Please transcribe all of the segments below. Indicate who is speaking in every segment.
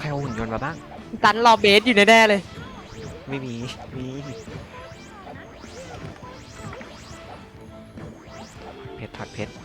Speaker 1: รเอาหุ่นยนต์มาบ้าง
Speaker 2: ตันรอเบสอยู่แน่ๆเลย
Speaker 1: ไม่มีเพชรถอดเพชร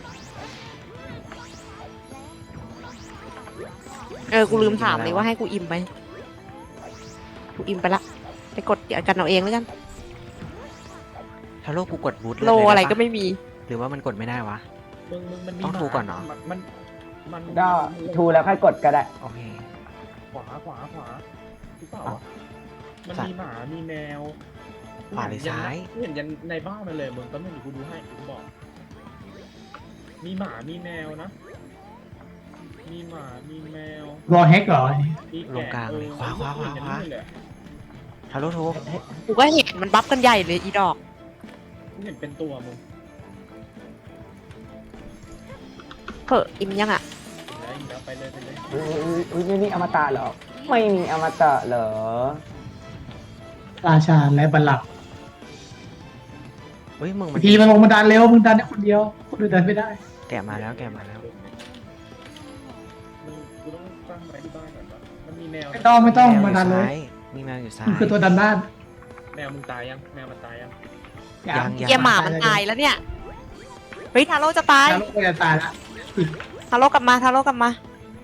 Speaker 2: กูลืมถามเลยว่าให้กูอิ่มไหมกูอิ่มไปละไปกดเดี๋ยวกันเอาเองแล้วกัน
Speaker 1: ทาโร่กูกดบูท
Speaker 2: โลอะไรก็ไม่มี
Speaker 1: หรือว่ามันกดไม่ได้วะ
Speaker 3: มันมี
Speaker 1: ต้องทูก่อนเนอะ
Speaker 3: มัน
Speaker 4: ก็ทูแล้วค่อยกดก็ได้
Speaker 1: โอเค
Speaker 3: ขวาหรือเปล่าวะมันมีหมามีแมว
Speaker 1: ขวาหรือซ้าย
Speaker 3: เห็นยันในบ้านมันเลยมึงก็ไม่รู้กูดูให้กูบอกมีหมามีแมวนะมีหมามีแมว
Speaker 5: รอแฮกเหรอ
Speaker 3: มี
Speaker 1: ลงกลางเลยขวา
Speaker 3: เห็นอย่างนี้เลย
Speaker 1: ทาโร่โทร
Speaker 2: กูก็เห็นมันบัฟกันใหญ่เลยอีดอก
Speaker 3: กูเห็นเป็นตัวมึง
Speaker 2: เผออิ่มยังอ่ะ
Speaker 3: แล้วไปเลย
Speaker 4: อุ้ยนี่อมตะเหรอ ไม่มีอมตะเหรอ
Speaker 5: ราชาและบัลลังก์
Speaker 1: เฮ้ยมึงมัน
Speaker 5: ทีมันลงมาดันเร็วมึงดันได้คนเดียวคนอื่นดันไม่ได้
Speaker 1: แกะมาแล้ว
Speaker 3: กูต้องตั้งไว้ที่บ้านก่อนวะมันมีแมว
Speaker 5: ไม่ต้อง
Speaker 1: แมวอ
Speaker 5: มาดัน
Speaker 1: ยู่
Speaker 5: เล
Speaker 1: ซ้าย ยมีแมวอยู่ซ้าย
Speaker 5: มันคือตัวดันบ้าน
Speaker 3: แมวมึงตายยังแมวมันตายยัง
Speaker 1: ยัง
Speaker 2: เกียหมามันตายแล้วเนี่ยเฮ้ยทาโร่จะตาย
Speaker 5: แล้วก็จะตายละ
Speaker 2: ทาโร่กลับมาทาโร่กลับมา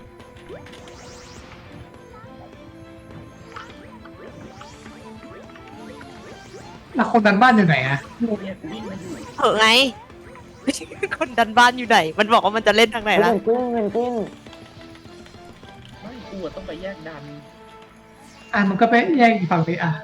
Speaker 5: แล้วคนดันบ้านอยู่ไหนอะ
Speaker 3: เนี่ยวิ่งมาอยู่
Speaker 2: เผอไง คนดันบ้านอยู่ไหน มันบอกว่ามันจะเล่นทางไหนล่ะ
Speaker 4: เงินกิ้น
Speaker 3: ไม่กูอะต้องไปแยกดัน
Speaker 5: มันก็ไปแยกอีกฝั่งสิอ่ะ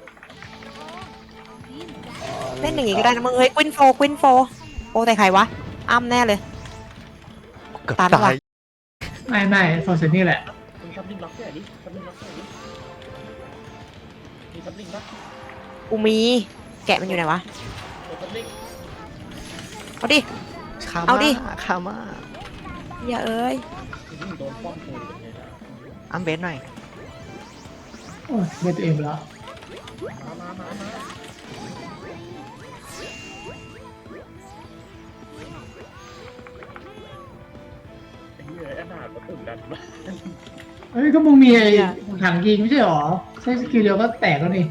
Speaker 2: เล่นอย่างงี้ก็ได้นะมึงเฮ้ยควินโฟโอ้แต่ใครวะอ้ำแน่เลย
Speaker 1: เกือบ
Speaker 2: ตัน
Speaker 1: ตา
Speaker 2: ว่ะ
Speaker 1: ย
Speaker 5: ไม่โซเซนี่แหละ
Speaker 3: มึงทับลิงล็อกแค่นี้ทับลิงล็อกแค่นี้มีทับลิงปะ
Speaker 2: กูมีแกะมันอยู่ไหนวะ
Speaker 3: โอ้ทับลิง
Speaker 2: เอาดิ
Speaker 1: คา
Speaker 2: เอาดิ
Speaker 1: คามา
Speaker 2: อย่าเอ้ย
Speaker 3: โดนป้อมกูเป็นไงล่ะ
Speaker 1: อัมเบสหน่อย
Speaker 5: โอ้ยเบสตัวเองไปแล้ว
Speaker 3: มาไอ้เหี้ยไอ้หนาดประตุ่นดันมา
Speaker 5: เฮ้ยก็มึงมีไอ้ถังยิงไม่ใช่หรอใช้สกิลเดียวก็แตกแล้วนี่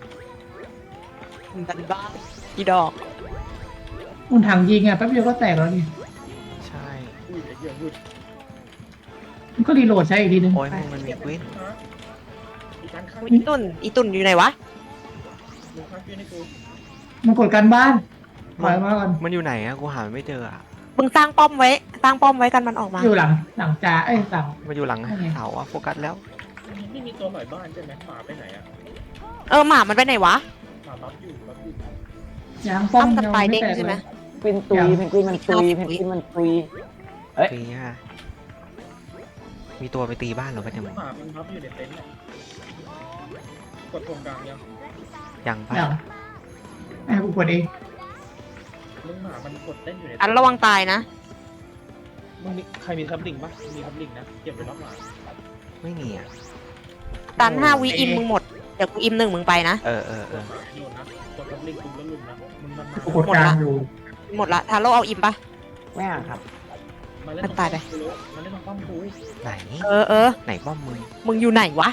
Speaker 2: ดันบ้านอีดอก
Speaker 5: มึงถังยิงอ่ะแป๊บเดียวก็แตกแล้วนี่
Speaker 1: ใช่
Speaker 3: อุ้ยไอ้เหี้ยวุด
Speaker 5: มันก็รีโหลดใช้อีกทีนึง
Speaker 1: โอ้ยมึงมันมีควิน
Speaker 3: อีการข้าง
Speaker 2: อีตุ่นอยู่ไหนวะ
Speaker 3: มึงข้างเพื่อนให้กู
Speaker 5: มันกดการบ้านปล่อยมาก่อน
Speaker 1: มันอยู่ไหนอะกูหามันไม่เจออะ
Speaker 2: มึงสร้างป้อมไว้กันมันออกมา
Speaker 5: อยู่หลังจ่าหลัง
Speaker 1: มันอยู่หลังเสาอะโฟกัสแล้ว
Speaker 3: ไม่มีตัวหน่อยบ้านใช่ไหมหมาไปไหนอะ
Speaker 2: หมามันไปไหนวะ
Speaker 3: หมาบัฟอยู่
Speaker 5: ยางป้อม
Speaker 2: อ้ำกันไปเด้ง
Speaker 5: แตก
Speaker 2: ใช่ไหม
Speaker 5: เลย
Speaker 4: เป็นตุยเพนกวินมันตุยเพนกวินมันตุย เอ้ย
Speaker 1: ฟรีฮะมีตัวไปตีบ้านเหรอปะเนี่ยมึง
Speaker 3: หมามันบัฟอยู่ในเต็นท์เนี่ยกดตรงกลางยัง
Speaker 1: ยังปะ
Speaker 5: อย่างให้กูกดเอง
Speaker 3: มึงหมามันกดเต้นอยู่ใน
Speaker 2: อันระวังตายนะ
Speaker 3: มึงมีใครมีทับลิงปะมีทับลิงนะเก็บไว้รอบหมา
Speaker 1: ไม่มีอะ
Speaker 2: ตัน5 วิอิมมึงหมดเดี๋ยวกูอิม1มึงไปนะ
Speaker 1: เออ
Speaker 3: โดนนะกดทับลิงปุ๊บแล้วลุมนะมึงมันมา
Speaker 5: กูกดกลางอยู่
Speaker 2: หมดละทาโร่เอาอิมปะ
Speaker 4: ไม่อ่ะครับ
Speaker 3: มาเล่น
Speaker 2: มันตายไป
Speaker 3: มาเล่นป้อมกู
Speaker 1: ไหน ไหนป้อมมึง
Speaker 2: มึงอยู่ไหนวะ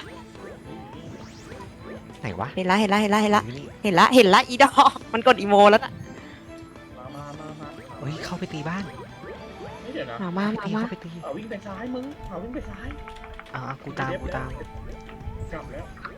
Speaker 1: ไหนวะ
Speaker 2: เห็นละ
Speaker 1: อยู่นี่
Speaker 2: เห็นละอีดอก มันกดอีโมแล้วน่ะ
Speaker 3: มา
Speaker 1: เฮ้ยเข้าไปตีบ้าน
Speaker 3: ไม่เดี๋ยวนะ
Speaker 2: มา
Speaker 1: เข้าไปตี
Speaker 3: หมาวิ่งไปซ้ายมึงหมาวิ่งไปซ้าย
Speaker 1: อ่ะกูตาม
Speaker 3: กลับแล้ว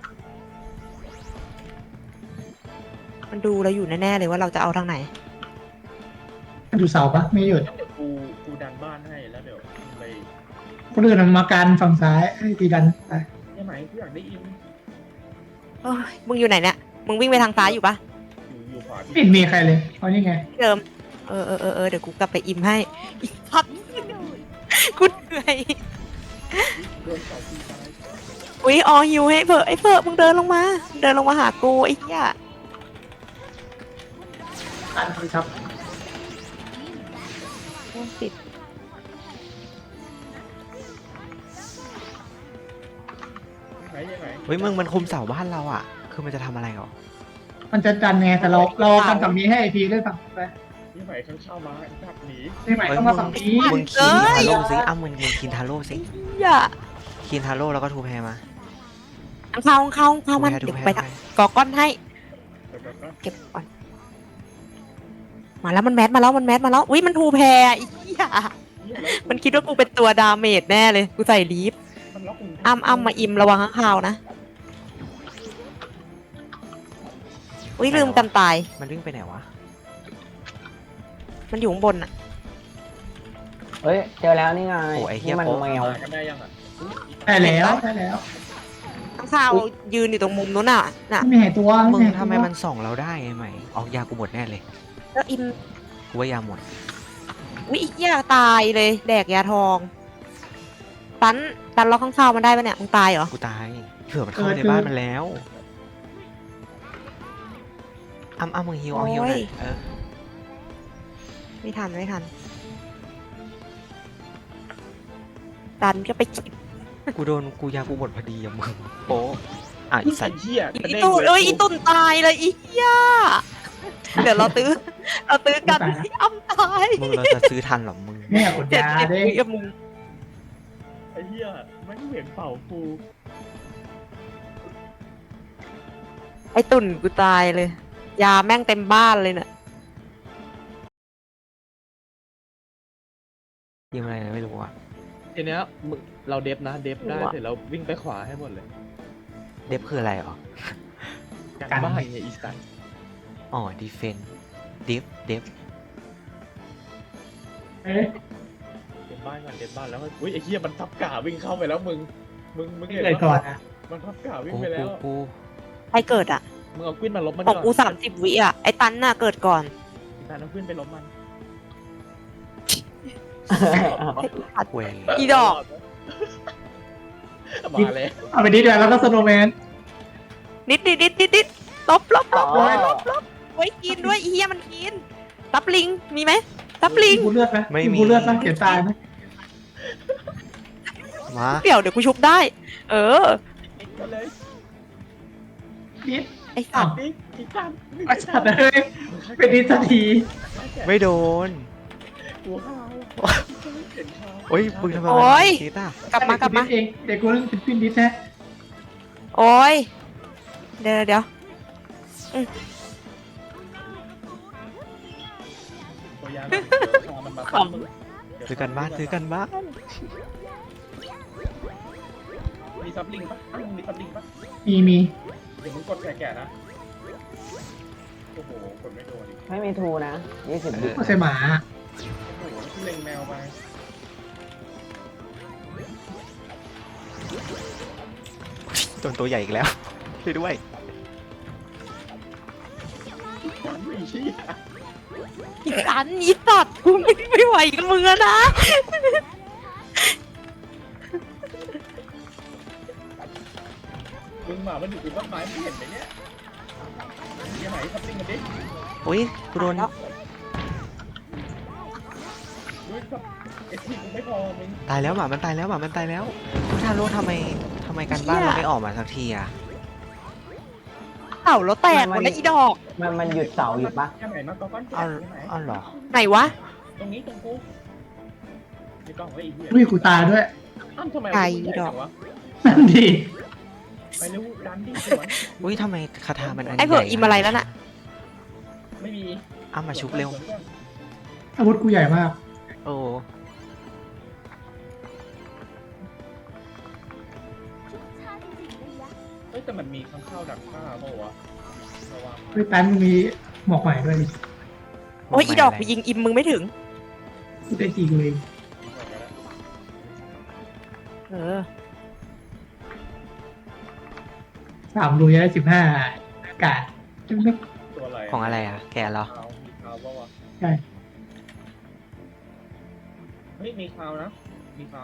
Speaker 2: มันดูเราอยู่แน่ๆเลยว่าเราจะเอาทางไหน
Speaker 5: อยู่เสาปะไม่หยุด
Speaker 3: เดี๋ยวกูดันบ้านให้แล้วเดี๋ยวไป
Speaker 5: คนอื่นมันมากันฝั่งซ้ายให้ตีดันไป
Speaker 3: ยังไงกูอยากได้อิน
Speaker 2: เอ้ยมึงอยู่ไหนเนี่ย มึงวิ่งไปทางซ้ายอยู่ปะ
Speaker 3: อยู่ขวา
Speaker 5: ไม่เห็นมีใครเลยเอานี่ไง
Speaker 2: ที่เดิม เดี๋ยวกูกลับไปอิมให้อีกพักกูเหนื่อย
Speaker 3: โดนเสาตีตาย
Speaker 2: อุ้ยหิวให้เผอไอ้เผอมึงเดินลงมาหากูไอ้เหี้ย
Speaker 5: อันครับ
Speaker 2: ติด
Speaker 3: ยังไง
Speaker 1: เฮ้ยมึงมันคุมเสาบ้านเราอะคือมันจะทำอะไรหรอ
Speaker 5: มันจะดันไงแต่เราทำฝั่งนี้ให้ไอพีเล่นฝั่งไป
Speaker 3: ยังไงข้างเช่ามาดับหนี
Speaker 5: นี่ใหม่ต้องมาฝั่งนี้
Speaker 1: มึงคินทาโร่สิอ้ำมึงคินทาโร่สิ
Speaker 2: อย่า
Speaker 1: คีนทาโร่แล้วก็ทูแพรมา
Speaker 2: เข้ามัน
Speaker 1: ทู
Speaker 2: เดี๋ยว
Speaker 1: แพร
Speaker 2: ไป
Speaker 1: ทูแพร
Speaker 2: กอก้อนให้ เก็บก่อน มาแล้วมันแมสมาแล้วอุ้ยมันทูแพรอีเหี้ยมันคิดว่ากูเป็นตัวดาเมจแน่เลย กูใส่ลีฟ
Speaker 3: มันล็อกมึง
Speaker 2: อ้ำมาอิมระวังข้างคาวนะ อุ้ยลืมกันตาย
Speaker 1: มันวิ่งไปไหนวะ
Speaker 2: มันอยู่ข้างบนอะ
Speaker 4: เฮ้ยเจอแล้วนี่ไง
Speaker 1: โอ้ไอ้เหี้ย
Speaker 4: นี่มัน
Speaker 1: โป๊ะ
Speaker 4: แมว
Speaker 3: กันได้ยังอ่ะ
Speaker 5: ได้แล้วได้แล้ว
Speaker 2: ข้างคาวยืนอยู่ตรงมุมนู้นน่ะ น่ะ
Speaker 5: ไม่มีหายตัว
Speaker 1: มึง
Speaker 5: หายตัว
Speaker 1: ทำไมมันส่องเราได้ไงไหมออกยากูหมดแน่เลย
Speaker 2: แล้วอิม
Speaker 1: กูว่ายาหมด
Speaker 2: อุ้ยอีเหี้ยตายเลย แดกยาทอง ตันล็อกข้างคาวมันได้ปะเนี่ย มึงตายเหรอ
Speaker 1: กูตายเผื่อมันเข้าในบ้านมันแล้วอ้ำมึงฮิวเอาฮิวหน่อย
Speaker 2: โอ้ย
Speaker 1: เออ
Speaker 2: ไม่ทันตันก็ไปกิน
Speaker 1: กูยากูหมดพอดีอะมึงโป๊ะอ่ะอี
Speaker 3: ไอ้
Speaker 1: สัตว์
Speaker 3: เหี้ย
Speaker 2: อีตุนอีตุนตายเลยอีเหี้ยเดี๋ยวเราตื้อกันที่อ้ำตาย
Speaker 1: มึงเราจะซื้อทันเหรอมึง
Speaker 5: เนี่ยกด
Speaker 2: เจ็ด
Speaker 5: ยา
Speaker 2: สิบ
Speaker 5: เด้
Speaker 2: วิกับมึง
Speaker 3: ไอ้เหี้ยไม่เห็นเป่าฟู
Speaker 2: ไอ้ตุ่นกูตายเลย ยาแม่งเต็มบ้านเลยเนี่ย
Speaker 1: ยิงอะไรนะไม่รู้อะ
Speaker 3: ทีเนี้ยมึงเราเดฟนะเดฟได้เสร็จแล้ววิ่งไปขวาให้หมดเลย
Speaker 1: เดฟคืออะไรอ๋อ
Speaker 3: การบ้านไงอีสัน
Speaker 1: อ๋อดีเฟนเดฟ
Speaker 5: เอ๊ะ
Speaker 3: เดฟบ้านก่อนเดฟบ้านแล้วก็อุ้ยไอ้เหี้ยมันทับกาวิ่งเข้าไปแล้วมึงเห็น
Speaker 5: เลยก่อนนะ
Speaker 3: มันทับกาวิ่ง
Speaker 1: กู
Speaker 3: ไปแล้ว
Speaker 1: กู
Speaker 2: ใครเกิดอ่ะ
Speaker 3: มึงเอากวินมาลบมัน
Speaker 2: ของ
Speaker 3: ก่อน
Speaker 2: กู30 วิอ่ะ ไอ้ตันน่ะเกิดก่อน
Speaker 3: การเอากวินไปลบมัน
Speaker 1: เวย
Speaker 2: อีดอก
Speaker 3: มาเลย
Speaker 5: เอาไปดิเดี๋ยวแล้วก็สโนว์แมน
Speaker 2: นิดลบ
Speaker 4: อ๋อ
Speaker 2: ไว้กินด้วยอีเหี้ยมันกินซับลิงมีไหมซับลิง
Speaker 5: กูเลือดไหมกูเลือดไหมเขียนตายไหม
Speaker 1: มา
Speaker 2: เดี๋ยวกูชุบได้ เออ
Speaker 3: มาเลย
Speaker 5: นิด
Speaker 2: ไอ้สัตว์
Speaker 3: ดิอีสัน
Speaker 5: ไอ้สัตว์เอ้ยเป็นดิสักที
Speaker 1: ไม่โดน
Speaker 3: กูห้าวเห็นข้าว
Speaker 1: โอ้ยมึงทำไม
Speaker 2: โอ้ย
Speaker 1: คิดอ่ะ
Speaker 2: กลับมา
Speaker 5: เองเด็กกูเล่นเป็นฟินดิสแท้
Speaker 2: โอ้ยเดี๋ยว
Speaker 3: ตัวยามันมา
Speaker 2: ขำ
Speaker 1: ซื้อกันบ้าน
Speaker 3: มีซับลิงปะมีซับลิงปะ
Speaker 5: มี
Speaker 3: เดี๋ยวมึงกดแก่ๆนะโอ้โหกดไม่โดนอีก
Speaker 4: ไม่มีทูนะ20วิ
Speaker 5: ก็ใช่หมา
Speaker 3: โอ้โหเล็งแมวไป
Speaker 1: โดนตัวใหญ่อีกแล้วช่วยด้วย
Speaker 3: ไม่เชี่ย
Speaker 2: อีสันอีสัตว์กูไม่ไหวกับมึงแล้วนะ
Speaker 3: มึงหมามันอยู่บนต้นไม้ไม่เห็นไหมเนี่ยยังไหนซับลิงกันดิ
Speaker 1: โอ้ยกูโดน
Speaker 2: แล้ว
Speaker 3: ด้วยซับเอสพีกูไม่พอมึง
Speaker 1: ตายแล้วหมามันตายแล้วพุทธาโลทำไมกันบ้านเราไม่ออกมาสักทีอะ
Speaker 2: เต่าแล้วแตกหมดแล้วอีดอก
Speaker 4: มันหยุดเสาอยู่ปะ
Speaker 3: ยังไหนมาก้อนแก่
Speaker 1: เอา
Speaker 3: ยังไหน
Speaker 1: เอาเหรอ
Speaker 2: ไหนวะ
Speaker 3: ตรงนี้ตรงกูไม่ต้องไว้อีกเหี้ย
Speaker 5: อุ้ยกูตายด้วย
Speaker 3: อ้าวทำไม
Speaker 2: ไก่
Speaker 3: มันใหญ่
Speaker 2: ดอก
Speaker 3: จังวะ
Speaker 5: นั่นดี
Speaker 3: ไปเร็วดันดิสวน
Speaker 1: อุ้ยทำไมคาถามันอัน
Speaker 2: ไอ้เผื่อ
Speaker 1: ใหญ่
Speaker 2: อิมอะไรแล้วน่ะ
Speaker 3: ไม่มี
Speaker 1: อ้ามาชุบเร็ว
Speaker 5: อาวุธกูใหญ่มาก
Speaker 1: โอ้
Speaker 3: เฮ้ยแต่มันมีข้างข้าวดักข้าเปล่าวะระวัง
Speaker 5: เฮ้ยตันมึงมีหมอกใหม่ด้วยดิ
Speaker 2: โอ้ยอีดอกกูยิงอิมมึงไม่ถึง
Speaker 5: กูได้จีกูเอง
Speaker 2: เออ
Speaker 5: 3 รูได้15 อากาศไม่
Speaker 3: ตัวอะไร
Speaker 1: ของอะไรอ่ะ แกเหรอ
Speaker 3: ขาวมีขาวเปล่าวะ
Speaker 5: ใช่
Speaker 3: เฮ้ยมีขาวนะมีขาว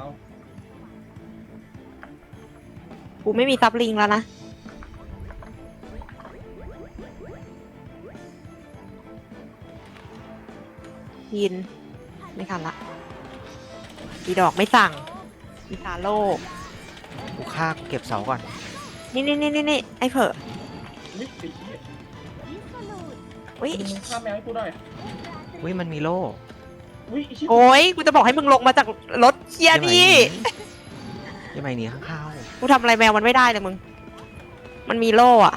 Speaker 2: กูไม่มีซับลิงแล้วนะ ยิน ไม่ทันละอีดอกไม่สั่งอีซาโล
Speaker 1: กูฆ่ากูเก็บเสาก่อน
Speaker 2: นี่ไอ้เผอ
Speaker 3: นี่ติดเนี่ย
Speaker 2: อุ้ย
Speaker 3: มึงฆ่าแมวให้กูได้
Speaker 1: อุ้ยมันมีโล่
Speaker 3: อุ้ยไอ้ชิบ
Speaker 2: โอ้ยกูจะบอกให้มึงลงมาจากรถเคียร์นี่
Speaker 1: ใช่ไหมอย่าไปหนีข้างข้าว
Speaker 2: กูทำอะไรแมวมันไม่ได้เลยมึง มันมีโล่อะ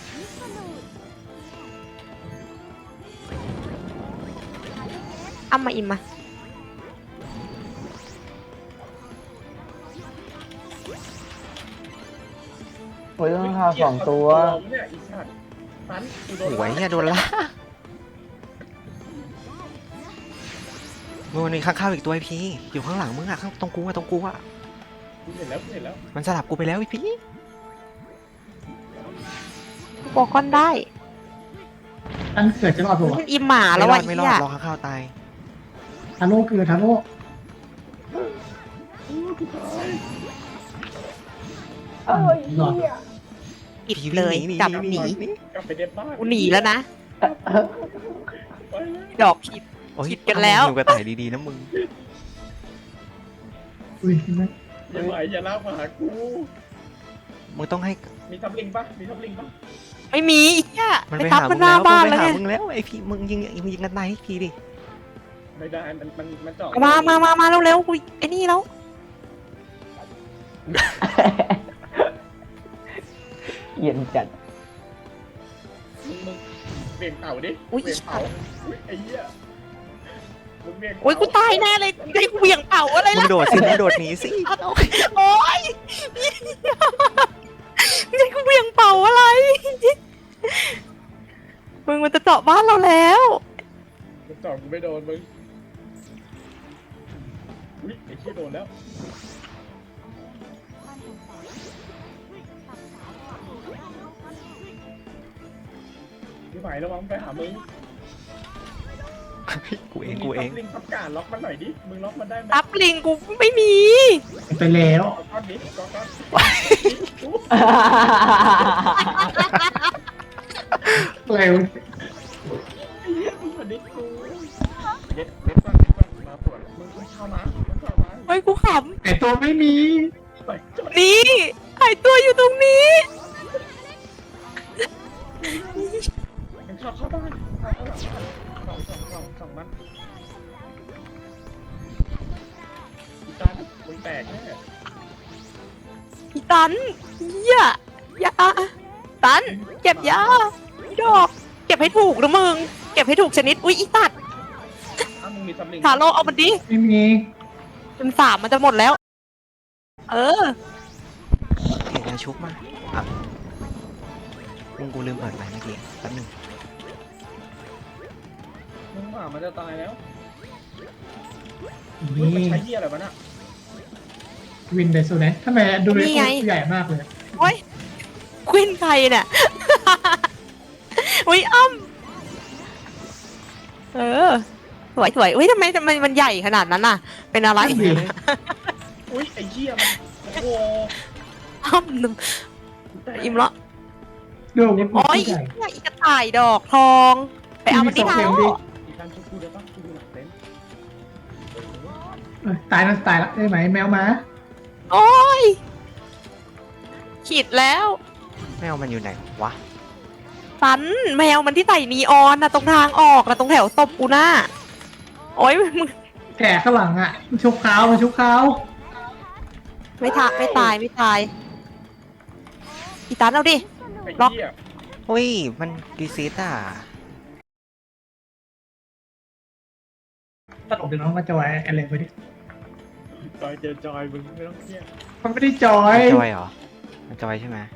Speaker 2: อ้ำมาอิมมา
Speaker 4: โอ้ยต้องข่าว2 ตัว
Speaker 3: เนี่ยอีสัตว์ตันกูโดน
Speaker 1: โอ้ยเนี่ยโดนละมึงมันมีข้างข้าวอีกตัวไอ้พี่อยู่ข้างหลังมึงอะข้างตรงกูอะ
Speaker 3: กูเห็นแล้วกูเห็นแล้ว
Speaker 1: มันสลับกูไปแล้วไอ้พี่
Speaker 2: กูบอกก้อนได้
Speaker 5: ตั้งเกิดจะรอดปะวะ
Speaker 2: มันอิมหมาแล้ววะ
Speaker 1: ไม่
Speaker 2: ไอ้
Speaker 1: รอ
Speaker 2: เหี้
Speaker 1: ด
Speaker 2: ย
Speaker 1: รอข้างข้าวตาย
Speaker 5: ทาโร่เกิดทาโร่
Speaker 4: เอ้ย
Speaker 5: หลอด
Speaker 2: ปิดเลยจับหนี
Speaker 3: กลับไปเด็บบ้าน
Speaker 2: กูหนีแล้วนะ
Speaker 3: ไปเลย
Speaker 2: ดอกผิด
Speaker 1: โอ้ย
Speaker 2: ผิดกันแล้ว
Speaker 1: มึงกระต่ายดีๆนะมึง
Speaker 5: อุ้ยเห็นไหม
Speaker 3: อย่าไหวอย่าลากมาหากู
Speaker 1: มึงต้องให้
Speaker 3: มีทับลิงปะมีทับลิงปะ
Speaker 2: ไม่มีไอ้เหี้ย
Speaker 1: มัน
Speaker 2: ไป
Speaker 1: ไป
Speaker 2: ทับ
Speaker 1: หา
Speaker 2: มั
Speaker 1: มึ
Speaker 2: น
Speaker 1: ง
Speaker 2: หน้า
Speaker 1: แล้ว
Speaker 2: บ้าน
Speaker 1: มัน
Speaker 2: แล้ว
Speaker 1: ไป
Speaker 2: ไง
Speaker 1: หามึงแล้วไอ้พี่มึงยิงกันตายให้พี่ดิ
Speaker 3: ไม่ได้มันเจาะ
Speaker 2: มาเร็วๆกูไอ้นี่แล้ว
Speaker 4: เย็นจัด
Speaker 3: มึงเบี่ยงเต่าดิ
Speaker 2: อุ๊ย
Speaker 3: เบี่ยงเต่าอุ๊ยไอ้เหี้ยมึงเบี่ยง
Speaker 2: โอ้ยกูตายแน่เลยให้กูเหวี่ยงเป่าอะไร
Speaker 1: มึ
Speaker 2: ล่ะ
Speaker 1: งโดดสิมึงโดดหนีสิ
Speaker 2: โอ้ยให้กูเหวี่ยงเป่าอะไร มึงมันจะเจาะบ้านเราแล้ว
Speaker 3: มึงเจาะกูไม่โดนมึงอุ้ยไอ้เหี้ยโดนแล้วพี่ไหมระวังไปหามึง
Speaker 1: กูเอง
Speaker 3: มึ
Speaker 1: กูเอง
Speaker 3: ทับลิงทับการล็อกมันหน่อยดิมึงล็อกมันได้ไหม
Speaker 2: รับลิงกูไม่มี
Speaker 5: ไปแล้ว
Speaker 3: เอาก้อนนี้ก้อน
Speaker 5: อะไรวะ
Speaker 3: มันดิกูเด็ดก่อนมาปวดมึงเข้ามาเข้ามา
Speaker 2: เฮ้ยกูข
Speaker 5: แต่ตัวไม่มี
Speaker 3: ไปจด
Speaker 2: ำนี่หายตัวอยู่ตรงนี้
Speaker 3: มันเข้าบ้านเข้าหลังสองมันอีตามึงแตกแน่
Speaker 2: อีตันเหี้ยยาตัน เก็บยาดอก เก็บให้ถูกนะมึง เก็บให้ถูกชนิด อุ๊ยอีตัด
Speaker 3: อ้าวมึงมีซัมลิง
Speaker 2: ทาโร่เอามันดิ
Speaker 5: ไม่มี
Speaker 2: เป็นสามมันจะหมดแล้ว เออ
Speaker 1: เห็นแล้วชุบมาอ่ะมึงกูลืมเปิดไมค์เมื่อกี้แป๊บนึง
Speaker 3: มึงหมามันจะตายแล้วมึง
Speaker 5: นี่
Speaker 3: ใช้เหี้ยอะไรวะน่ะ
Speaker 5: วินไดโซแนททำไมดูเลย
Speaker 2: นี่ไง
Speaker 5: ใหญ่มากเลย
Speaker 2: โอ๊ยควินใครเนี่ย อุ๊ยอ้ำเออ สวยอุ๊ยทำไมมันใหญ่ขนาดนั้นน่ะ เป็นอะไร
Speaker 5: นั่นดิ
Speaker 3: อุ้ยไอ้เหี้ยมันโอ้โห
Speaker 2: อ้ำหนึ่งอิ่มละ
Speaker 5: ดูมัน
Speaker 2: โอ๊ย
Speaker 5: ใหญ่
Speaker 2: อีกระต่ายดอกทอง ไปเอามันที่เท้า
Speaker 3: อีการชุบกูได้ปะกูดูหลังเต็นท์
Speaker 5: ตายแล้วตายแล้วได้ไหมแมวมา
Speaker 2: โอ๊ยขีดแล้ว
Speaker 1: แมวมันอยู่ไหนวะ
Speaker 2: สันแมวมันที่ใส่นีออนนะตรงทางออกนะตรงแถวศพกูน่ะโอ๊ยมึง
Speaker 5: แก่ข้างหลังอ่ะมันชุบเขามันชุบเขา
Speaker 2: ไม่ตายอีตันเอาดิ
Speaker 3: ไอ้
Speaker 2: ล็อก
Speaker 3: เหี้ย
Speaker 1: เฮ้ยมันรีเซ็ตอ่ะ
Speaker 5: ตลกเดี๋ยวน้องมาจะไว้อะไรไปดิ
Speaker 3: จอยเจอจอยมึงไม่ต้องเครียด
Speaker 5: มันไม่ได้จอย
Speaker 1: มันจอยเหรอมันจอยใช่ไหม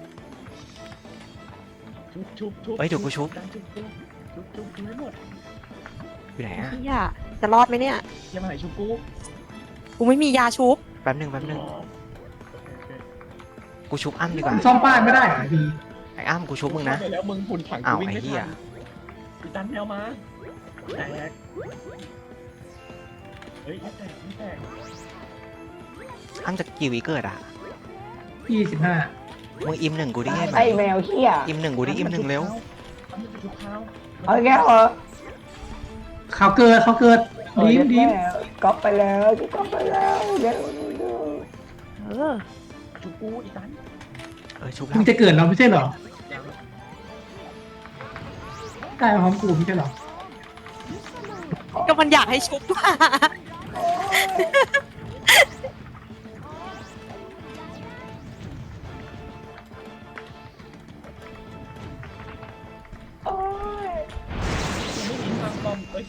Speaker 3: ชุบ
Speaker 1: เฮ้ยเดี๋ยวกูชุบ
Speaker 3: การชุบให้หมด
Speaker 1: อยู่ไหนอ่ะ
Speaker 2: เฮียจะรอดไหมเนี่ย
Speaker 3: อย่ามาไหนชุบกู
Speaker 2: กูไม่มียาชุบ
Speaker 1: แป๊บนึงกูชุบอ้ำดีกว่า
Speaker 5: ซ่อมบ้านไม่ได้เหรอดี
Speaker 1: ไอ้อ้ำกูชุบมึงนะ
Speaker 3: เข้าไปแล้วมึงหุ่นถัง
Speaker 1: อ้าว
Speaker 3: กูวิ่ง
Speaker 1: ไอ้
Speaker 3: ไม่
Speaker 1: เหี้ย
Speaker 3: ทันอีตันแมวมาแตกเฮ้ยไม่แตก
Speaker 1: อ้ำจะกี่วิเกิดอ่ะ
Speaker 5: 25
Speaker 1: มึงอิมหนึ่งกูได้ไงไหม
Speaker 4: ไอ้แมวเขี้ย
Speaker 1: อิมหนึ่งกูได้อิมหนึ่งเร็ว
Speaker 3: เอามันไปชุบข้าว
Speaker 4: เอาแก้วเหรอ
Speaker 5: เขาเกิดดีมดีม
Speaker 4: ก๊อปไปแล้วก๊อปไปแล้วเดี๋ยว
Speaker 2: เออ
Speaker 3: ชุบกูอีตัน
Speaker 1: ชุบแล้
Speaker 5: มึ
Speaker 1: ว
Speaker 5: งจะเกิดเราไม่ใช่เหรอตายพร้อมกูไม่ใช่เหรอ
Speaker 2: ก็มันอยากให้ชุบ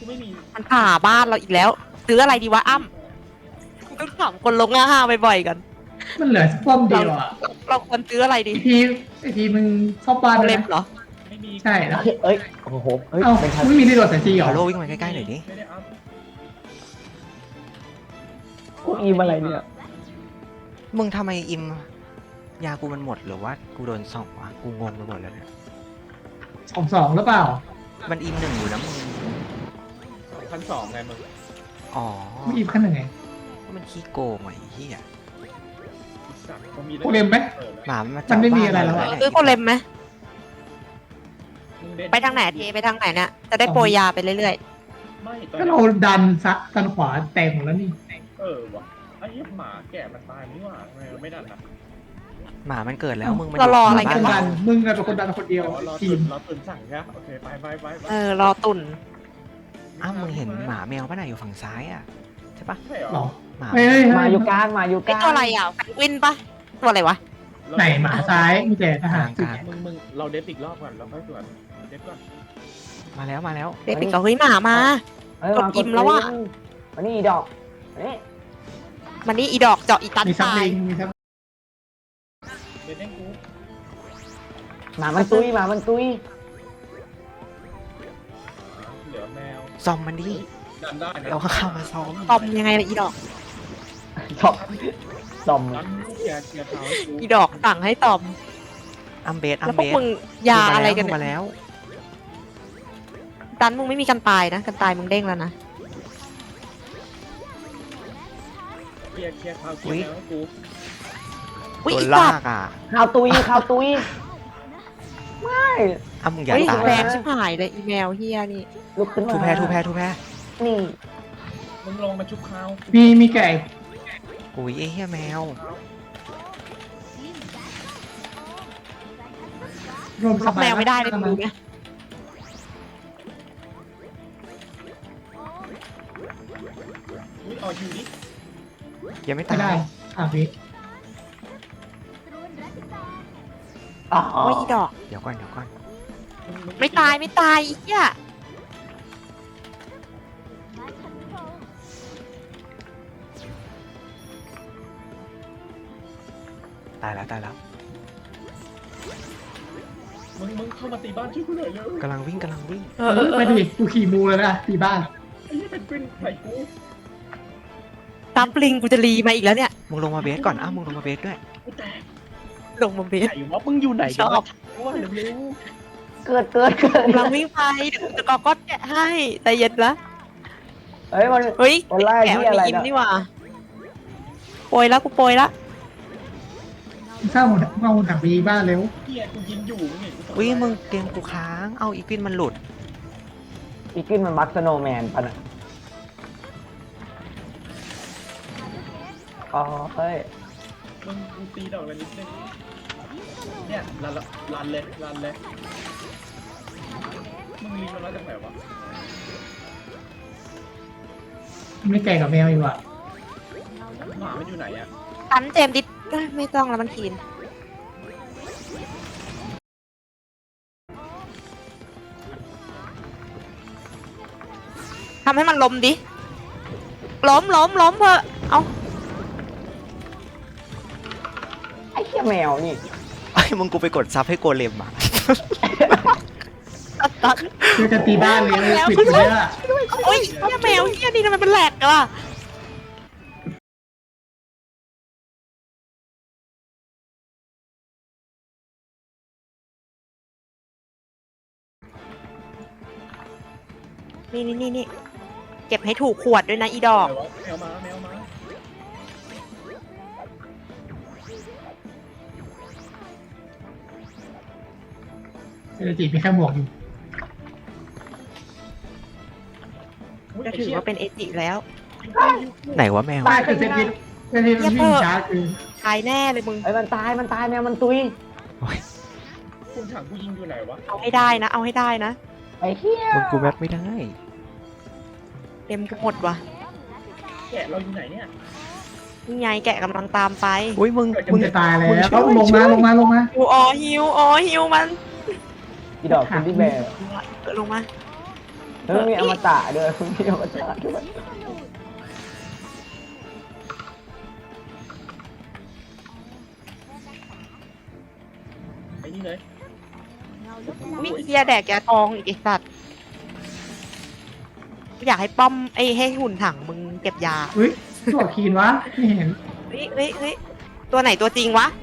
Speaker 3: ไม่มี
Speaker 2: มันผ่าบ้านเราอีกแล้วซื้ออะไรดีวะอ้ำต้องถามคนลงห้าบ่อยๆกัน
Speaker 5: มันเหลือป้อมเดียวอ่ะ
Speaker 2: เราควรซื้ออะไรดี
Speaker 5: ไอทีมึงเข้าบ้าน
Speaker 2: เอา
Speaker 5: ไป
Speaker 2: เล็
Speaker 5: นะ
Speaker 2: บเหรอ
Speaker 3: ไม่มี
Speaker 5: ใช่แล้ว
Speaker 4: เอ้ยโอ้โหเอ้ย
Speaker 5: เอ้า
Speaker 4: เป็นทัน
Speaker 5: ไม่มีรีโหลดสัญชีเหรอ
Speaker 1: โลวิ่งมาใกล้ๆหน่อยดิ
Speaker 3: ไม่ได้อัพ
Speaker 4: กูอีมอะไรเนี่ย
Speaker 1: มึงทำไมอิมยากูมันหมดหรือว่ากูโดนส่องวะกูงงไปหมดแล้วเนี่ย
Speaker 5: 2-2หรือเปล่า
Speaker 1: มันอิมหนึ่งอยู่นะมึง
Speaker 3: 2,200ไงมึง
Speaker 1: อ๋อ
Speaker 5: ไม่อีกขั้นหนึ่งไง
Speaker 1: มันขี้โกงไอ้เหี้ย
Speaker 3: สัตว์เขามี
Speaker 5: โกเลมไหม
Speaker 1: หมามันมา
Speaker 5: มันไม่มีอะไรแล้วอะ
Speaker 2: ซื้อโคเลมไหมไปทางไหนเทไปทางไหนเนี่ยจะได้โปรยยาไปเรื่อย
Speaker 3: ไม่ตอน
Speaker 5: ก็
Speaker 3: นี้
Speaker 5: เราดันซักดันขวาแตกหมดแล้วนี่
Speaker 3: ว่ะไอ้เหี้ยหมาแก่มันตายนี่หว่าทำไมเราไม่ดันนะ
Speaker 1: หมามันเกิดแล้วมึงมัน
Speaker 2: เรารออะไร
Speaker 5: มึง
Speaker 2: กั
Speaker 5: เป็น น
Speaker 2: วะ
Speaker 5: ดันมึงเป็นคนดันคนเดียว
Speaker 3: รอ
Speaker 5: ที
Speaker 3: ตื่
Speaker 5: ม
Speaker 3: นรอตื่นสั่งใช่ไหมโอเคไป
Speaker 2: เออรอตุ่น
Speaker 1: อ้าวมึงเห็นหมาแมวป่ะน่ะอยู่ฝั่งซ้ายอ่ะใช่ปะ
Speaker 3: ใช่เหร
Speaker 5: หร
Speaker 3: อ
Speaker 5: อ
Speaker 1: หมา
Speaker 5: เฮ้ย
Speaker 4: มาอยู่กลางมาอยู่ก
Speaker 2: ไอ
Speaker 4: ลาง
Speaker 2: ตัวอะไรอ่ะแฟนกวินปะตัวอะไรวะ
Speaker 5: ไหนหมาซ้ายมีแต่ทหาร
Speaker 1: กลาง
Speaker 3: มึงเราเดฟอีกรอบก่อนเราค่อยสวนเดฟก่อน
Speaker 1: มาแล้วมาแล้ว
Speaker 2: เด็กปิดก็เฮ้ยหมามา
Speaker 4: เอ้ย
Speaker 2: กดอิ่มแล้วอะ
Speaker 4: มานี่อีดอกมานี่
Speaker 2: มันนี่อีดอกเจาะอีตัน
Speaker 5: มีซับ
Speaker 2: ตาย
Speaker 5: ลิงมีซับ
Speaker 3: เดฟเล่นกู
Speaker 4: หมามันตุยหมามันตุย
Speaker 3: เหลือแมว
Speaker 1: ซอมมันดิ
Speaker 3: ดันได้นะ
Speaker 1: เราก็เข้ามาซ้อม
Speaker 2: ตอมยังไงล่ะอีดอก
Speaker 4: ชอบดอม
Speaker 3: ดันเกียร์เท้าให้กู
Speaker 2: อีดอกสั่งให้ตอม
Speaker 1: อัมเบสอั
Speaker 2: แล้
Speaker 1: ม
Speaker 2: วพ
Speaker 1: เบ
Speaker 2: วก
Speaker 1: ส
Speaker 2: มึงยาอะไรกัน
Speaker 1: มึงมา
Speaker 2: เนี่ย
Speaker 1: แล้ว
Speaker 2: ดันมึงไม่มีกันตายนะกันตายมึงเด้งแล้วนะ
Speaker 3: เกียร์เท้าเกียร์แมวให้กู
Speaker 2: อุ้ย
Speaker 1: โดน
Speaker 2: อี
Speaker 1: ลา
Speaker 2: สัตว์
Speaker 1: กอ่ะ
Speaker 4: ข่าวตุยข่าวตุยไม่
Speaker 1: อ้าวมึงอย่า
Speaker 2: เฮ้ย
Speaker 1: ตาย
Speaker 2: แรงชิบหายเลยอีแมวเฮียนี่
Speaker 4: ลุกขึ้นมา
Speaker 1: ทูแพ้ทูแพ้ทูแพ้
Speaker 4: นี่
Speaker 3: มึงลงมาชุบข้าว
Speaker 5: มีไก่
Speaker 1: อุ้ยไอ้เหี้ยแมว
Speaker 5: รวมส
Speaker 2: ล็อก
Speaker 5: บาย
Speaker 2: แมวไม่ได้เลยมึงดูไหม
Speaker 3: อุ้ยเอาอยู่ดิ
Speaker 1: ยังไม่
Speaker 5: ไม่
Speaker 1: ตาย
Speaker 5: ได้วิ
Speaker 4: อ๋อ
Speaker 2: โอ้ยอีดอก
Speaker 1: เดี๋ยวก่อนเดี๋ยวก่อน
Speaker 2: ไม่ตายไม่ตายอีเหี้ย
Speaker 1: ตายแล้วตายแล้ว
Speaker 3: มึงเข้ามาตีบ้านช่วยกูหน่อยเร็ว
Speaker 1: กำลังวิ่งกำลังวิ่ง
Speaker 5: ไปดิกูขี่มูแล้วนะตีบ้าน
Speaker 3: ไอ้เหี้ยเป็นกวินใส่กู
Speaker 2: ตามปลิงกูจะรีมาอีกแล้วเนี่ย
Speaker 1: มึงลงมาเบสก่อนอ้าวมึงลงมาเบสด้วย
Speaker 3: กูแตก
Speaker 2: ลงมาเบส
Speaker 3: ไหนวะมึงอยู่ไหน
Speaker 2: ชอบ
Speaker 3: ว่าเร็ว
Speaker 4: เกิด
Speaker 2: กำลังวิ่งไปเดี๋ยวจะกอก็แกะให้แต่เย็นละ
Speaker 4: เฮ้ยมัน
Speaker 2: เฮ้ย
Speaker 4: วันแรก
Speaker 2: แกะ
Speaker 4: ที่
Speaker 2: มัน
Speaker 4: อะไร
Speaker 2: มีอิ่ม
Speaker 4: นะ
Speaker 2: นี่หว่าโปรยแล้วกูโปรยละ
Speaker 5: สร้างหมดเอาถังไปยิงบ้านเร็ว
Speaker 3: ๆเกียร์กูยิงอยู่มึงเห็นกู
Speaker 1: อุ้ยมึงเกมกูค้าง เอาอีกวินมันหลุด
Speaker 4: อีกินมันบักสโนว์แมนปะน่ะอ๋อเฮ้ย
Speaker 3: มึงกูตีดอกอะไรนิดนึงเนี่ยรันเลยมึงลิงมันมาจากไหนวะ
Speaker 5: ไม่ไก่กับแมวอีกว่ะ
Speaker 3: หมามันอยู่ไหนอ่ะ
Speaker 2: ตันเจมส์ดิเอ้ยไม่ต้องแล้วมันทีนทำให้มันล้มดิล้มเพอะเอา
Speaker 4: ไอ้เหี้ยแมวนี่
Speaker 1: ไอ้ยมึงกูไปกดซับให้โกเลมอ่ะ
Speaker 2: ตัด
Speaker 5: คือจะตีบ้านเร็วปิดเลยอ่ะ
Speaker 2: โอ้ยเฮียแมวเฮียนี่ทำไมมันแหลกกันล่ะนี่เก็บให้ถูกขวดด้วยนะอีดอก
Speaker 3: แมวมา
Speaker 5: เศรษฐกิจมีแค่หมวกอยู่
Speaker 2: จะถือว่าเป็นเอจิแล้ว
Speaker 1: ไหนวะแมว
Speaker 5: ตายคือเศรษฐกิจมันวิ่งช้าคือ
Speaker 2: ตายแน่เลยมึง
Speaker 4: ไอ้ยมันตายแมวมันตุย
Speaker 3: คุณถังกูยิงอยู่ไหนวะ
Speaker 2: เอาให้ได้นะ เอาให้ได้นะ
Speaker 4: ไอ้เหี้ย
Speaker 1: มึงกูแม็กไม่ได้
Speaker 2: เต็มกูหมดว่ะ
Speaker 3: แกะเราอยู่ไหนเนี่ย
Speaker 2: นี่ไงแกะกำลังตามไป
Speaker 1: อุ้ยมึง
Speaker 5: มึงจะตายแล้วก็ลงมา
Speaker 2: ฮิวฮิวมัน
Speaker 4: อีดอกคุณที่แบร์
Speaker 2: ลงมา
Speaker 4: แล้วมันมีอมตะด้วยมันมีอมตะด้วย
Speaker 3: ไอ้นี่เลย
Speaker 2: วิเฮียแดกยาทองอีกไอ้สัตว์กูอยากให้ป้อมไอ้ให้หุ่นถังมึงเก็บยา
Speaker 5: อุ้ยตัวคีนวะไม่เห็น
Speaker 2: เฮ้ยตัวไหนตัวจริงวะ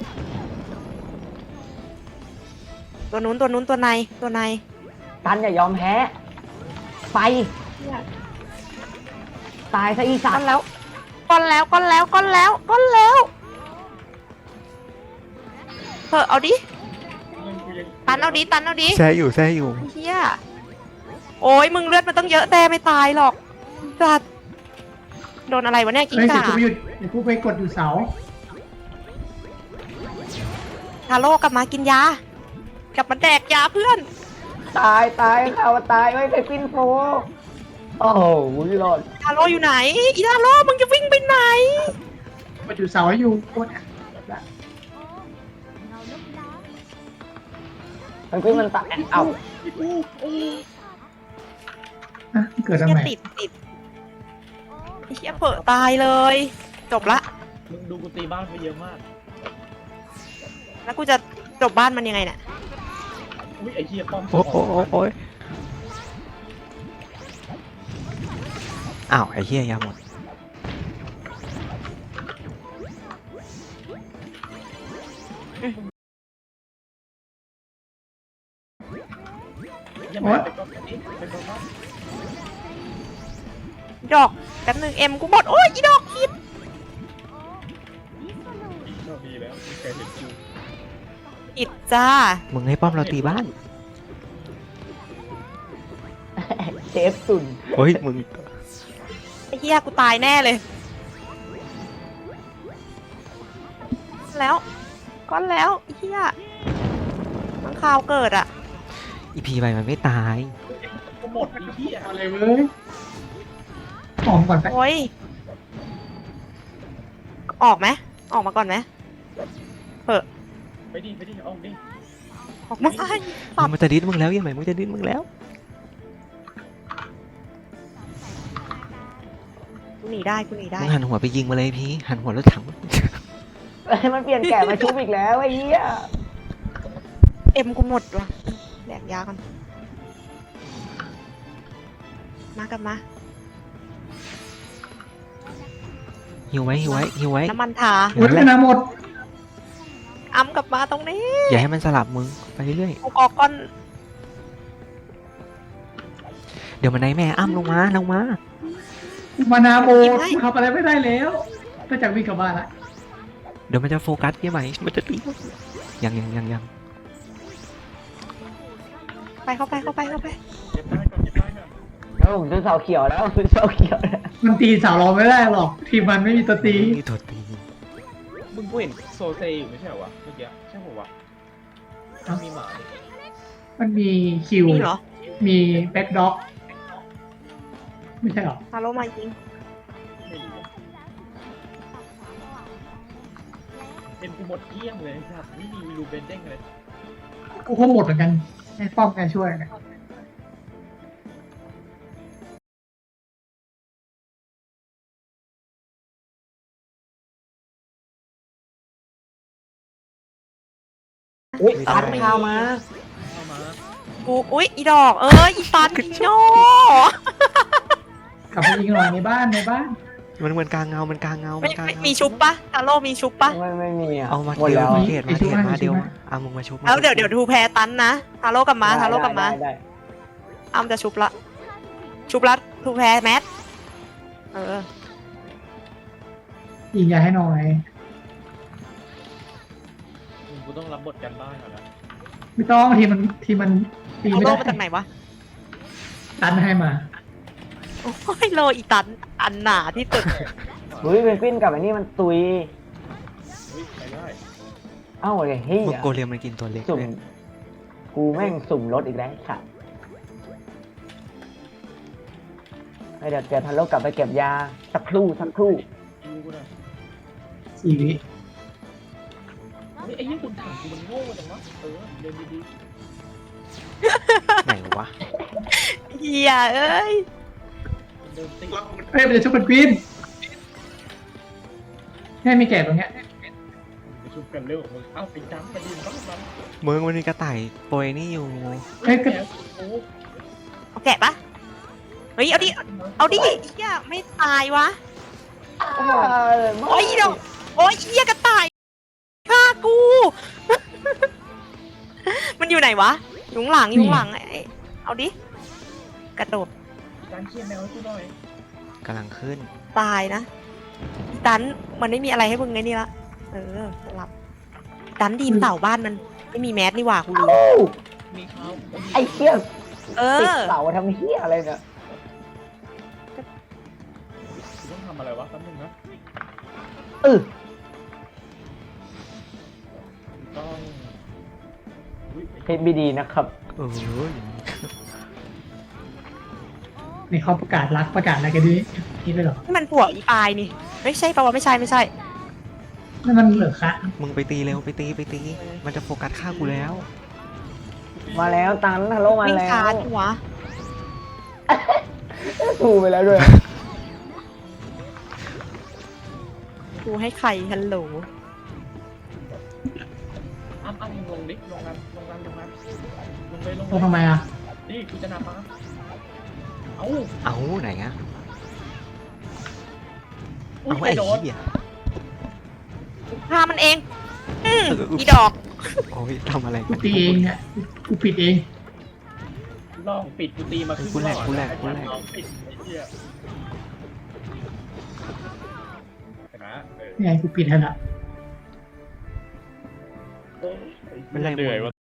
Speaker 2: ตัวนู้นตัวในตัวใน
Speaker 4: ตันอย่ายอมแพ้ไปตายซะอีสั
Speaker 2: ก้
Speaker 4: ต
Speaker 2: อน
Speaker 4: ว์
Speaker 2: แล้วก้อนแล้วเฮ้เอาดิตันเอาดิ
Speaker 1: แซ่อยู่แซ่อยู่
Speaker 2: เฮียโอ้ยมึงเลือดมันต้องเยอะแต่ไม่ตายหรอกจัดโดนอะไรวะเนี่ยกิ้ง
Speaker 5: เฮ้ยเดี๋ย
Speaker 2: ก่าว
Speaker 5: กูไปหยุดเดี๋ยวกูไปกดอยู่เสา
Speaker 2: ทาโร่กลับมากินยา กลับมาแดกยาเพื่อน
Speaker 4: ตายข่าวตายไม่เคยปิ้นโฟโอ้โหรอด
Speaker 2: ทาโร่อยู่ไหนอีทาโร่มึงจะวิ่งไปไหน
Speaker 5: กดอยู่เสาให้อยู่กด
Speaker 4: มันปิ้นมันตายเอ้า
Speaker 5: อ่ะเกิดทำ
Speaker 2: เฮีย
Speaker 5: ไม
Speaker 2: ติดไอ้เฮียเผลอตายเลย จบละ
Speaker 3: มึงดูกูตีบ้านไปเยอะมาก
Speaker 2: แล้วกูจะจบบ้านมันยังไงเนี่ย
Speaker 3: อุ้ยไอ้เหี้ยป้อม
Speaker 1: โอ้ยอ้าวไอ้เหี้ยยาหมด
Speaker 3: ยังไม่ไปป้อมนี้ไปป้อม
Speaker 2: ดอกแป๊บนึงเอ็มกูหมดโอ้ยอีดอกคิด
Speaker 3: โชคดีแล้วมีใครเห็นกู
Speaker 2: อิดจ้า
Speaker 1: มึงให้ป้อมเราตีบ้าน
Speaker 4: เชฟสุน
Speaker 1: เฮ้ยมึง
Speaker 2: ไอ้เฮียกูตายแน่เลยแล้วก้อนแล้วไอ้เฮียมันข่าวเกิดอ่ะ
Speaker 1: อีพีไปมันไม่ตาย
Speaker 3: กูหมดไอ้เหี้ย
Speaker 5: เอาเลยเว้ยหอมก่อนไป
Speaker 2: โอ้ยออกไหมออกมาก่อนไหม
Speaker 3: ไปดิออกดิ
Speaker 2: ออกมาได้
Speaker 1: มันจะดิ้นมึงแล้วยังไงมันจะดิ้นมึงแล้ว
Speaker 2: กูหนีได้
Speaker 1: มึงหันหัวไปยิงมาเลยพี่หันหัวรถถัง
Speaker 4: มันเปลี่ยนแก่มาชุบอีกแล้วไอ้เหี้ย
Speaker 2: เอ็มกูหมดว่ะแดกยากันมากลับมา
Speaker 1: หิวไว้
Speaker 2: น้ำมันทา
Speaker 5: โอ้ยนะหมด
Speaker 2: อ้ำกลับมาตรงนี้
Speaker 1: อย่าให้มันสลับมึงไปเรื่อย
Speaker 2: กูออกก้อน
Speaker 1: ๆเดี๋ยวมันไหนแม่อ้ำลงมา
Speaker 5: มานาโบทำอะไรไม่ได้แล้วถ้าจากวิ่งกลับบ้านละ
Speaker 1: เดี๋ยวมันจะโฟกัสยังไงมันจะตียัง
Speaker 2: ไปเข้าไป
Speaker 3: เก็บได้ก่อน
Speaker 4: แล้วผมซื้อเสาเขียวแล้วซื้อเสาเขียวแล้ว
Speaker 5: มันตีสาวเราไม่ได้หรอก ทีมมันไม่มีตัวตี
Speaker 1: มีตัวตี
Speaker 3: มึงกูเห็นโซเซอยู่ไม่ใช่เหรอวะเมื่อกี้ใช่ปะวะมีหมาดิ
Speaker 5: มันมีคิว
Speaker 2: นี่เหรอ
Speaker 5: มีแบ็คด็อก ไม่ใช่หรอ
Speaker 2: ฮาโลมายิง
Speaker 3: ไม่รู้เป็นกูหมดเกลี้ยงเลยครับไม่มีรูเบนเด้งเลย
Speaker 5: กูก็หมดเหมือนกันให้ป้อมแกช่วยนะ
Speaker 4: อุ้ยตันข้าวมา
Speaker 3: เข้ามา
Speaker 2: กูอุ๊ยอีดอกอีตันอีโง่
Speaker 5: กลับไปยิงหน่อยในบ้าน
Speaker 1: มันกลางเงา มันกลางเงา
Speaker 2: ไม่มีชุบปะฮาโลมีชุบปะ
Speaker 4: ไม่มีอ่ะ
Speaker 1: เอามา
Speaker 4: หมด
Speaker 1: เดียว
Speaker 4: แล้ว
Speaker 1: มาเทศมาเดียวเอามึงมาชุบ
Speaker 2: แล้วเดี๋ยวทูแพรตันนะฮาโลกลับมาฮาโลกลับมา
Speaker 4: ได้
Speaker 2: อ้ำจะชุบละทูแพรแมทเออ
Speaker 5: ยิงยาให้หน่อย
Speaker 3: กูต้องรับบทกันบ้านก่อนนะ
Speaker 5: ไม่ต้องทีมันตี
Speaker 2: ฮา
Speaker 5: ไม่
Speaker 2: โล
Speaker 5: ได้
Speaker 2: มาจากไหนวะ
Speaker 5: ตันให้มา
Speaker 2: โอ้ยโลอีตันอันหนาที่สุด
Speaker 4: เฮ้ยเป็นปิ้นกับไอ้นี่มันตุย
Speaker 3: เฮ้ยไปได้
Speaker 4: เอ้าไอ้เฮ้ย
Speaker 1: มึงโกเลียมมันกินตัวเล็ก
Speaker 4: สุ่ม
Speaker 1: เลย
Speaker 4: กูแม่งสุ่มรถอีกแล้วค่ะเดี๋ยวทันโลกกลับไปเก็บยาสักครู่
Speaker 3: ดูกูหน่อย
Speaker 5: 4 วิ
Speaker 3: เฮ้ยไอ้ยี่คุณถามกูมันโง่จังวะเดินดี
Speaker 1: ไหนวะ
Speaker 2: เฮียเอ้ย
Speaker 3: เดินติด
Speaker 5: เฮ้ยมันจะชุบเป็นกวินแค่มีแก่ตรงเนี้ย
Speaker 3: ไปชุบกันเร็วมึงเอาไปจ้ำไปดินบ้างมัน
Speaker 1: มึงมันมีกระต่ายโปรยนี่อยู่
Speaker 5: เฮ้ยก็
Speaker 3: แมวโอ้
Speaker 2: เอาแกะปะเฮ้ยเอาดิเอาดิเฮียไม่ตายวะโอ้ยดอกโอ้ยเฮียกระต่ายฆ่ากู มันอยู่ไหนวะอยู่ข้างหลังอยู่ข้างหลังไอ้เอาดิกระโดด
Speaker 3: การเคี่ยนแมวให้กูหน่อย
Speaker 1: กำลังขึ้น
Speaker 2: ตายนะอีตันมันไม่มีอะไรให้มึงไงนี่ละหลับอีตันดีมเต่าบ้านมันไม่มีแมสนี่หว่ากูรู้
Speaker 4: โอ้
Speaker 3: มีเขา
Speaker 4: ไอ้เหี้ย
Speaker 2: เอ
Speaker 4: ติด
Speaker 2: อ
Speaker 4: เสาทำเหี้ยอะไรเนี่ย
Speaker 3: กูต้องทำอะไรวะแป๊บนึงนะ
Speaker 4: เออ
Speaker 3: ต้องอุ้ย
Speaker 4: เพชรบีดีนะครับ
Speaker 1: เออ
Speaker 5: นี่เขาประกาศรักประกาศอะไรกันดินี่เลยเหรอ
Speaker 2: นี่มันผัวอีปายนี่ไม่ใช่ปะวะไม่ใช่ไม่ใช่
Speaker 5: นั่นมันเหลือคะ
Speaker 1: มึงไปตีเร็วไปตีไปตี มันจะโฟกัสฆ่ากูแล้ว
Speaker 4: มาแล้วตันฮัลโหลมา
Speaker 2: วิ่ง
Speaker 4: แล้
Speaker 2: ช้าว จังวะ
Speaker 4: ถูกไปแล้วด้วย
Speaker 2: กูให้ใครฮัลโหล
Speaker 3: อ้ำมึงลงดิลงนั้นลงนั้นลงนั้นลงเลยลง
Speaker 5: ตรงทำไมอ่ะ
Speaker 3: นี่กูจะนำมาเอ้า
Speaker 1: เอาไหนอะ
Speaker 3: อุ้ย
Speaker 1: เอา
Speaker 3: ไป
Speaker 1: ไอ้
Speaker 3: โดน
Speaker 1: เหี้ย
Speaker 2: ฆ่ามันเองอีดอก
Speaker 1: โอ้ยทำอะไร
Speaker 5: กู
Speaker 1: กัน
Speaker 5: ตีเองเนี่ยกูปิดเอง
Speaker 3: ลองปิดกูตีมาครึ่ง
Speaker 1: กูแหลก
Speaker 3: รอบ
Speaker 1: กูแหลกกูแหลก
Speaker 3: ลองปิดไอ้เหี้ยนะเออ
Speaker 5: นี่ไงกูปิดให้ละ
Speaker 3: โอ้ย
Speaker 1: เป็นไร
Speaker 3: เหนื่อย
Speaker 1: มึง
Speaker 3: ว่ะ